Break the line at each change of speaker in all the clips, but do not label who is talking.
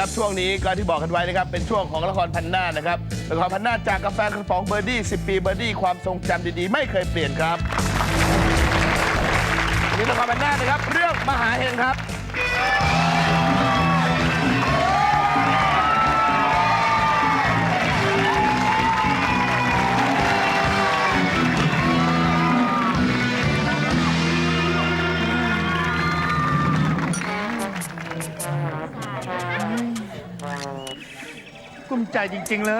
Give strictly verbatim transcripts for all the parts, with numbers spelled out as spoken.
นะครับช่วงนี้ก็ที่บอกกันไว้นะครับเป็นช่วงของละครพันหน้านะครับละครพันหน้าจากกาแฟกระป๋องเบอร์ดี้สิบปีเบอร์ดี้ความทรงจำดีๆไม่เคยเปลี่ยนครับนี่ละครพันหน้านะครับเรื่องมหาเฮงครับ
กุ้มใจจริงๆเลย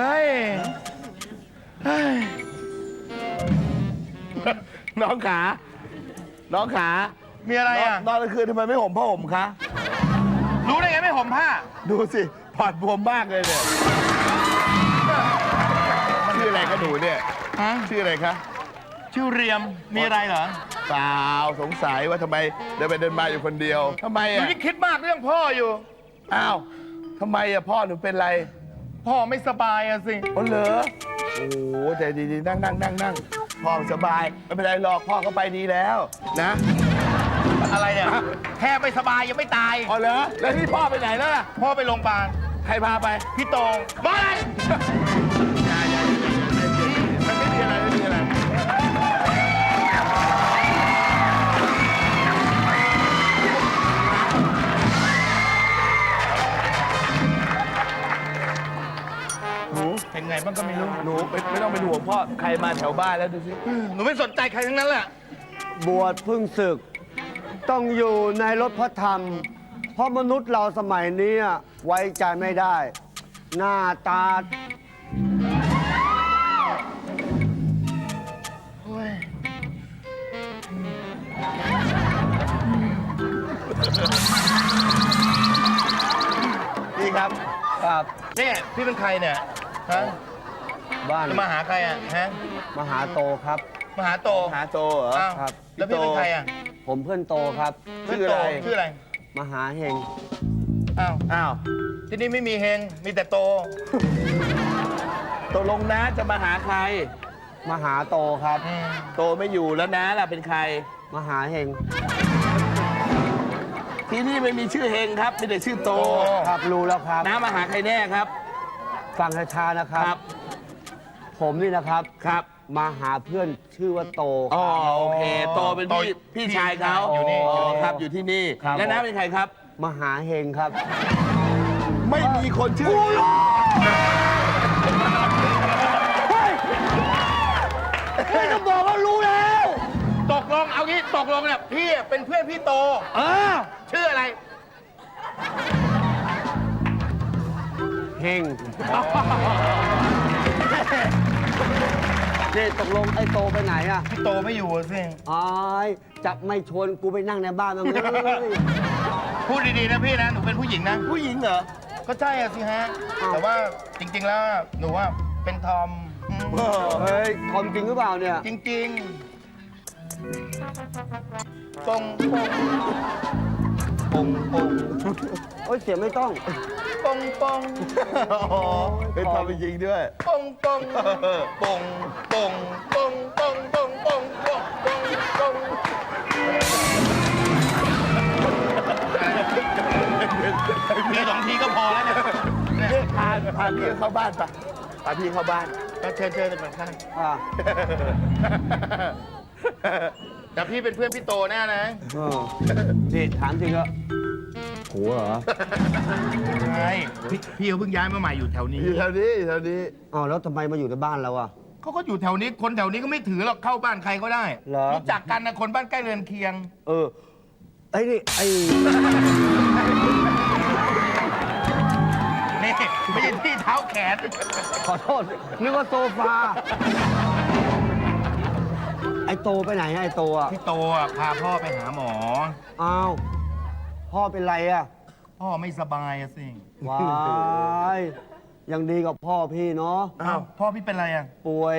น้องขา น้องขา
มีอะไรอ่ะ
นอนกลางคืนทำไมไม่ห่มผ้าห่มคะ
รู้ได้ไงไม่ห่มผ้า
ดูสิปอดบวมมากเลยเนี่ยชื่ออะไรคะหนูเนี่ย
ฮะ
ชื่ออะไรคะ
ชื่อเรียม มีอะไรเหรอ
เปล่าสงสัยว่าทำไมเดินไปเดินมาอยู่คนเดียวทำไม
หนู
อ่ะ
ยิ่งคิดมากเรื่องพ่ออยู่
อ้าวทำไมอ่ะพ่อหนูเป็นไร
พ่อไม่สบายอะสิ
อ๋อเหรอโอ้โหใจดีๆนั่งนั่งนั่งนั่งพ่อสบายไม่เป็นไรหรอกพ่อก็ไปดีแล้วนะ
อะไรเนี่ย แค่ไม่สบายยังไม่ตาย
อ๋อเหรอแล้วที่พ่อไปไหนแล้วล่ะ
พ่อไปโรงพยาบาล
ใครพาไป
พี่โตงบ้าอะไร
มันไม่มีอะไรไม่มีอะไรหนู
เป็นไงบ้างก็ไม่รู้
หนูไม่ไม่ต้องเป็นห่วงพ่อใครมาแถวบ้านแล้วดูสิ
หนูไม่สนใจใครทั้งนั้นแหละ
บวชเพึ่งศึก ต้องอยู่ในรถพระธรรม เพราะมนุษย์เราสมัยนี้ไว้ใจไม่ได้ หน้าตา
พี่ครับ
ครับ
เนี่ยพี่เป็นใครเนี่ย ฮะ
บ้าน
จะมาหาใครอ่ะ ฮะ
มหาโตครับ
มาหาโต
หาโตเหรอ
อ้าว
ครับ
แล้วพี่เป็นใครอ่ะ
ผมเพื่อนโตครับ
เพื่อนโตชื่ออะไร
มหาเฮง
อ้าว
อ้าว
ที่นี่ไม่มีเฮง มีแต่โต
ตกลงน้าจะมาหาใคร
มหาโตครับ
อืม
โตไม่อยู่แล้วน้าล่ะเป็นใคร
มหาเฮง
ที่นี่ไม่มีชื่อเฮงครับมีแต่ชื่อโต
ครับรู้แล้วครับ
น้ามาหาใครแน่ครับ
ฟังช้าๆนะครับ
ครับ
ผมนี่นะครับ
ครับ
มาหาเพื่อนชื่อว่าโต
อ๋อโอเค โตเป็นพี่พี่ชายเขา
อยู่นี่
อ๋
อยู่
อ
นี่
ครับอยู่ที่นี่
ครับ
แล้วน้าเป็นใครครับ
มหาเฮงครับ
ไม่มีคนชื่อ
ไม่ต้องบอกว่ารู้แล้ว
ตกลง เอางี้ตกลงเนี่ยพี่เป็นเพื่อนพี่โต
เออ
ชื่ออะไร
เฮงนี่ตกลงไอ้โตไปไหนอ่ะ
พี่โตไม่อยู่อะสิ
อายจะไม่ชวนกูไปนั่งในบ้านมั้างเลย
พูดดีๆนะพี่นะ หนูเป็นผู้หญิงนะ
ผู้หญิงเหรอ
ก็ใช่อะสิฮะ แต่ว่าจริง ๆ แล้วหนูว่าเป็นทอมอืม
เฮ้ยทอมจริงหรือเปล่าเนี่ย
จริงๆปงปงปงปง
โอ้ยเสียไม่ต้อง
ปงปง
อ๋อเป็นทอมจริงๆด้วย
ปงปงปงปงปงปงปงปงปงปงปงมีสองทีก็พอแล้วเนี่ย
เนี่ยพาพาพี่เข้าบ้านปะพาพี่เข้าบ้าน
ก็เชิญเชิญเลยข้าง
อ่า
แต่พี่เป็นเพื่อนพี่โตแน่นะ
เออนี่ถามจริงเหรอโหเหรอ
ใช่พี่พี่เขาเพิ่งย้ายมาใหม่อยู่แถวนี้
อยู่แถวนี้อยู่แถวนี้
อ้าวแล้วทำไมมาอยู่ในบ้านเราอ่ะ
เขาก็อยู่แถวนี้ คนแถวนี้ก็ไม่ถือหรอกเข้าบ้านใครก็ได้
เหรอ
รู้จักกันนะคนบ้านใกล้เรือนเคียง
เออ ไอ้นี่ ไอ้
นี่ไม่ใช่ที่เท้าแขน
ขอโทษ นึกว่าโซฟา ไอ้โตไปไหนอะไอ้โตอ่ะ
พี่โตอ่ะพาพ่อไปหาหมอ
อ้าว พ่อเป็นไรอ่ะ
พ่อไม่สบายอะสิ
ว้ายยังดีกับพ่อพี่เนาะ
อ้าวพ่อพี่เป็นไรอ่ะ
ป่วย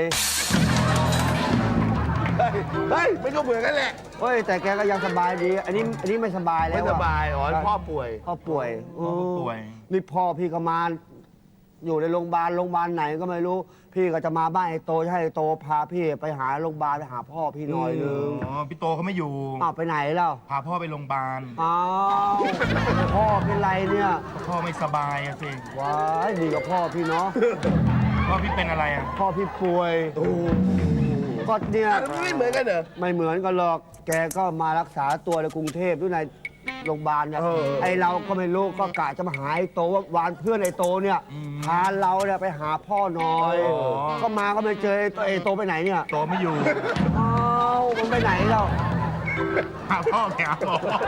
เฮ้ยเฮ้ยไม่ก็เหมือนกันแหละ
เฮ้ย แต่แกก็ยังสบายดี อันนี้ อันนี้ไม่สบายแล้ว
ไม่
อะ
สบายอ๋อพ่อป่วย
พ่อป่วย
พ่อป่วย
นี่พ่อพี่ก็มาอยู่ในโรงพยาบาลโรงพยาบาลไหนก็ไม่รู้ พี่ก็จะมาบ้านไอ้โตจะให้ไอ้โตพาพี่ไปหาโรงพยาบาลไปหาพ่อพี่หน่อยนึง
อ๋อพี่โตเขาไม่อยู่
อ้าวไปไหนแล้ว
พาพ่อไปโรงพยาบาล
อ้าวพ่อเป็นไรเนี่ย
พ่อไม่สบายอะสิ
ว้ายดีกับพ่อพี่เนาะ
พ่อพี่เป็นอะไรอะ
พ่อพี่ป่วยก็เนี่ย
มันไม่เหมือนกันเหรอ
ไม่เหมือนกันหรอก แกก็มารักษาตัวในกรุงเทพด้วยในโรงพยาบาลเนี่ย
เออ
ไอเราก็ไม่รู้ก็กะจะมาหาไอ้โตว่าวานเพื่อนไอ้โตเนี่ยพาเราเนี่ยไปหาพ่อหน่อย ก็มาก็ไม่เจอไอ้โตไอ้โตไปไหนเนี่ย
โตไม่อยู่
อ้าวมันไปไหนเรา
หาพ่อแกหาพ่อ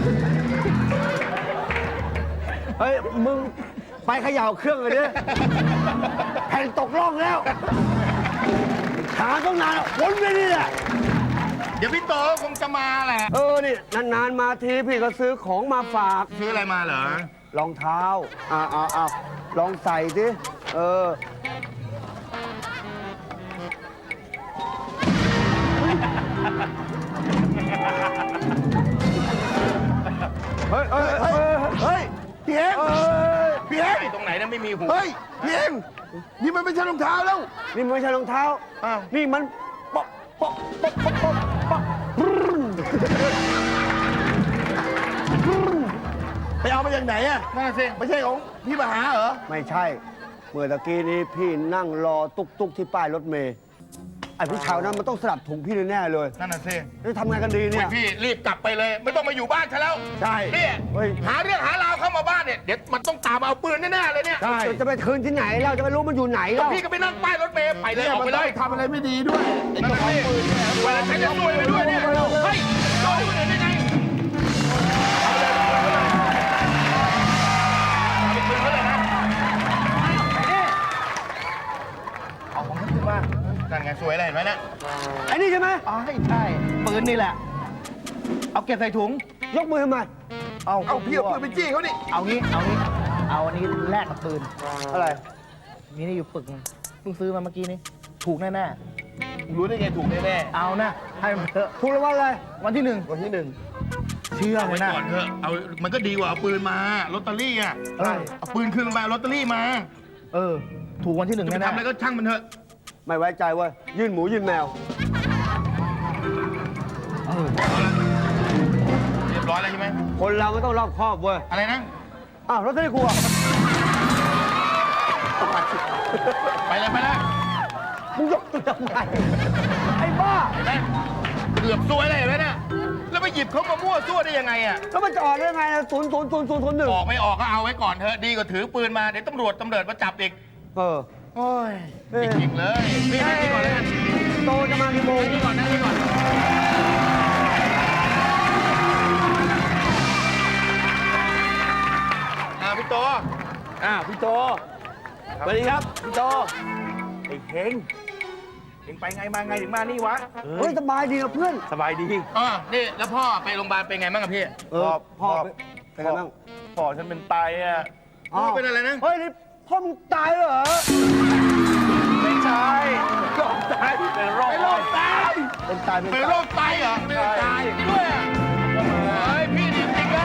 เฮ้ยมึงไปเขย่าเครื่องเลยดิแผ่นตกล่องแล้วหาต้องนานวนไปนี่แหละ
เดี๋ยวพี่โตคงจะมาแหละ
เออนี่นานๆมาทีพี่ก็ซื้อของมาฝาก
ซื้ออะไรมาเหรอ
รองเท้า อ่าอ่าอ่าลองใส่สิ เออ เฮ้ยเฮ้ยเฮ้ย
เฮ้ยพี่เอง
เฮ้ย
พี่เอง
ไอ้ตรงไหนนะไม่มีหู
เฮ้ยพี่เองนี่มันไม่ใช่รองเท้าแล้ว
นี่มันไม่ใช่รองเท้า
อ้าว
นี่มันป๊อกป๊อกป๊อกป๊อกป๊อกป๊อกบรึ้น
ไปเอามาจากไหนอะ
น่าสิ
ไม่ใช่ของพี่มหาเหรอ
ไม่ใช่ เมื่อตะกี้นี้พี่นั่งรอตุ๊กตุ๊กที่ป้ายรถเมล์ไอ้ผู้ชายนั้นมันต้องสลับถุงพี่แน่ๆเลย
นั่นน่ะสิ
จะทำไงกันดีเนี่ย
พี่รีบกลับไปเลย ไม่ต้องมาอยู่บ้านฉันแล้ว
ใช่
เนี่ย
เฮ้ย
หาเรื่องหาราวเข้ามาบ้านเนี่ย เดี๋ยวมันต้องตามมาเอาปืนแน่ๆเลยเนี่ย
ใช่
จะไปคืนที่ไหนเราจะไปรู้มันอยู่ไหนเรา
พี่ก็ไปนั่งป้ายรถเมล์ไปเลย
เนี่ย
ออก
มัน
ไป
ต้
เล
อง
ย
ทำอะไรไม่ดีด้วยไอ้
นั่น
เจ้า
น่ะ
ของ
สิ
ปืนเนี่ย
เวลาฉันจะซวยไปด้วยเนี่ย เฮ้ยโดนคนอื่นได้ไงเอาไปเลยเอาไปคืนเขาเลยนะเอาของฉันขึ้นมานั่นไงสวยอะไรเห็นไหมเนี่ย
ไอ้นี่ใช่ไหม
อ๋อใช่ปืนนี่แหละ เอาเก็บใส่ถุง
ยกมือทำไม
เอาเอาพี่เอาปืนไปจี้เขาดิ
เอางี้ เอางี้ เอาอันนี้แลกกับปืน
อะไร
มีนี่อยู่ปึกนึงเพิ่งซื้อมาเมื่อกี้นี้ ถูกแน่
รู้ได้ไงถูกแน่
ๆ เอานะ ให้มันเถอะ
ถูกรางวัลอะไร
วันที่หนึ่ง
ๆวันที่หนึ่ง
เชื่อ
เอา
เล
ไว้
ยนะ
ก่อนเถอะ เอา มันก็ดีกว่าเอาปืนมา ลอตเตอรี่อ่ะ
เออ
เอาปืนคืนมาเอาลอตเตอรี่มา
เออ ถูกวันที่หนึ่ง
จะไป
แน่
ทำอะไรก็ช่างมันเถอะ
ไม่ไว้ใจเว้ยยื่นหมูยื่นแมว
ๆเออ
เรียบร้อยแล้วใช่ไหม
คนเราไม่ต้องรอบคอบเว้ย
อะไรนะ
อ้าวรถไม่ได้กลัว
ไปเลยไปเลย
มึงยกตัวทำไมไอ้บ้า
เห็นไหมเกือบซวยเลยเห็นไหมเนี่ยแล้วไปหยิบเขามามั่วซั่วได้ยังไงอ่ะ
แล้วมันจะออกได้ยังไงศูนย์ศูนย์ศูนย์ศูนย์ศูนย์หนึ่ง
ออกไม่ออกก็เอาไว้ก่อนเถอะ ดีกว่าถือปืนมา เดี๋ยวตำรวจตำรวจมาจับอีก
เออ
โอ้ย
เอ้ย
จริงๆเลยนี่นี่ก่อนเลยนะ
โตจะมากี่โมง
นี่ก่อนนะนี่ก่อนอ่าพี่โต
อ่าพี่โตสวัสดีครับพี่โตไอ้เฮงเฮงไปไงมาไงถึงมานี่วะ
เฮ้ยสบายดีนะเพื่อน
สบายดี
อ่านี่แล้วพ่อไปโรงพยาบาลเป็นไงบ้างอะพี่
เออพ่อเป็นไงบ้าง
พ่อฉันเป็นไตอ่ะ
อ้าว
เป็นอะไรนะ
เฮ้ยนี่พ่อมึงตายเหรอ
ไม่ใช่โรคไตเป็นโรค
เป็นโรคไต
เป็นตายเป็น
เป็น
ตาย
โรคไตเหรอไม่ได้ตายด้วยอ่ะเฮ้ยพี่จริงๆเลย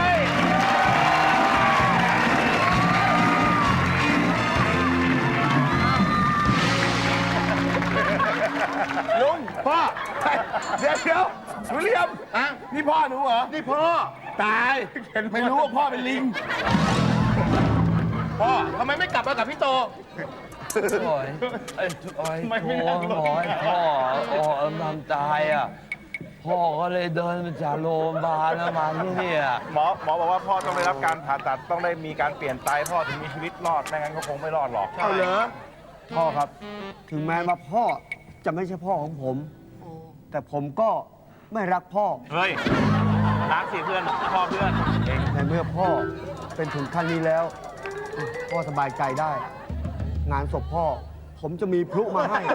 ลุงพ่อเดี๋ยวเดี๋ยววิลเลียม
อ่ะ
นี่พ่อหนูเหรอ
นี่พ่อ
ตายไม่รู้ว่าพ่อเป็นลิง
พ่อทำไมไม่กลับมากับพี่โต
โอ้ยโอ้ย
ไม่ไม่
โอ้
น่าหรอก
ยพ่อโอ้ยทำตายอ่ะ พ่อก็เลยเดินมาจากโรงพยาบาลแล้วมาที่นี่อ่ะ
หมอหมอบอกว่าพ่อต้องได้รับการผ่าตัดต้องได้มีการเปลี่ยนไตพ่อถึงมีชีวิตรอดไม่งั้นเขาคงไม่รอดหรอก
เอาเหรอ
พ่อครับ ถึงแม้ว่าพ่อจะไม่ใช่พ่อของผม แต่ผมก็ไม่รักพ่อ
เฮ้ยรักสิเพื่อนพ่อเพื่อนเอง
ในเมื่อพ่อเป็นถึงขั้นนี้แล้ว พ่อสบายใจได้ งานศพพ่อ ผมจะมีพลุมาให้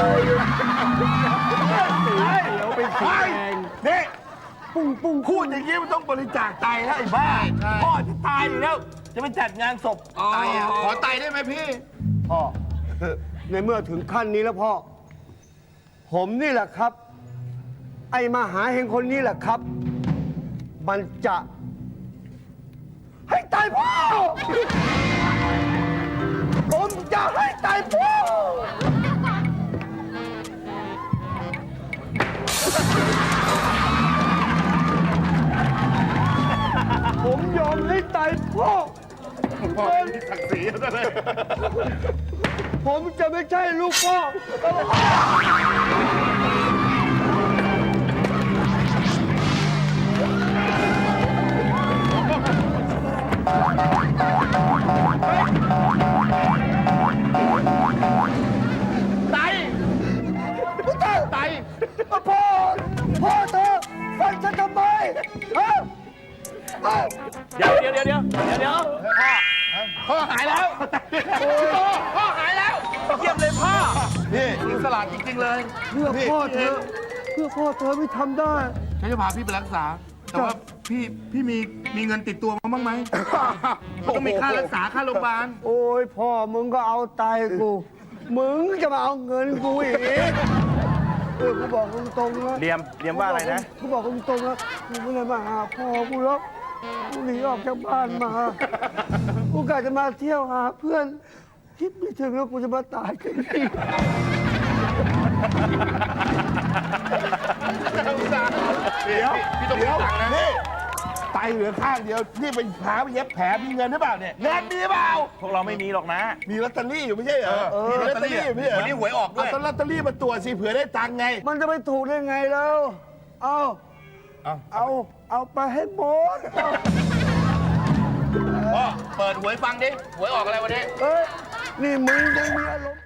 เดี๋ยวเป็นสีแดง
นี่
ปุ้งปุ้ง
พูดอย่างนี้มันต้องบริจาคไตแล้วไอ้บ้า
ใช่
พ่อจะตายอยู่แล้ว จะไปจัดงานศพไตอ่ะ
ขอไตได้ไหมพี่
พ่อ ในเมื่อถึงขั้นนี้แล้วพ่อ ผมนี่แหละครับ ไอ้มหาเฮงคนนี้แหละครับ มันจะ ให้ตายพ่อ ผมจะ
พ่อมีศักดิ์ศรีซะเลย
ผมจะไม่ใช่ลูกพ่อ
ไตไต
พ่อ พ่อเธอฟังฉันทำไมฮะเอ้า
เดี๋ยวเดี๋ยวเดี๋ยวเดี๋ยวเดี๋ยว
พ่อหายแล้วพ่อพ่อหายแล้ว
เยี่ยมเลยพ่อ
นี่อิสระจริงๆเลย
เพื่อพ่อเธอ เพื่อพ่อเธอไม่ทำได้
ฉันจะพาพี่ไปรักษา แต่ว่าพี่พี่มีมีเงินติดตัวมาบ้างไหม ต้องมีค่ารักษาค่าโรงพยาบาล
โอ้ยพ่อมึงก็เอาตายกู มึงจะมาเอาเงินกูอีกเออกูบอกตรงๆนะ
เรียมเรียมว่าอะไรนะ
กูบอกตรงๆนะกูไม่ได้มาหาพ่อกูหรอกกูหนีออกจากบ้านมากูกะจะมาเที่ยวหาเพื่อน คิดไม่ถึงว่ากูจะมาตายกันที่
เดี๋ยวพี่ต้องมีตังค์นะนี่ไตเหลือข้างเดียวนี่ไปหาไปเย็บแผลมีเงินหรือเปล่าเนี่ยเงินมีเปล่า
พวกเราไม่มีหรอกนะ
มีลอตเตอรี่อยู่ไม่ใช่เหรอมีลอตเตอรี่อยู่ไม่ใช่เหรอ
วันนี้หวยออกด้วย
เอาต้นลอตเตอรี่มาตรวจสิเผื่อได้ตังค์ไง
มันจะไปถูกได้ไงแล้ว เอา
เอา
เอา เอาไปให้หมดเอา
พ่อเปิดหวยฟังดิ หวยออกอะไรวันนี้
เอ้ย นี่มึงยังมีอารมณ์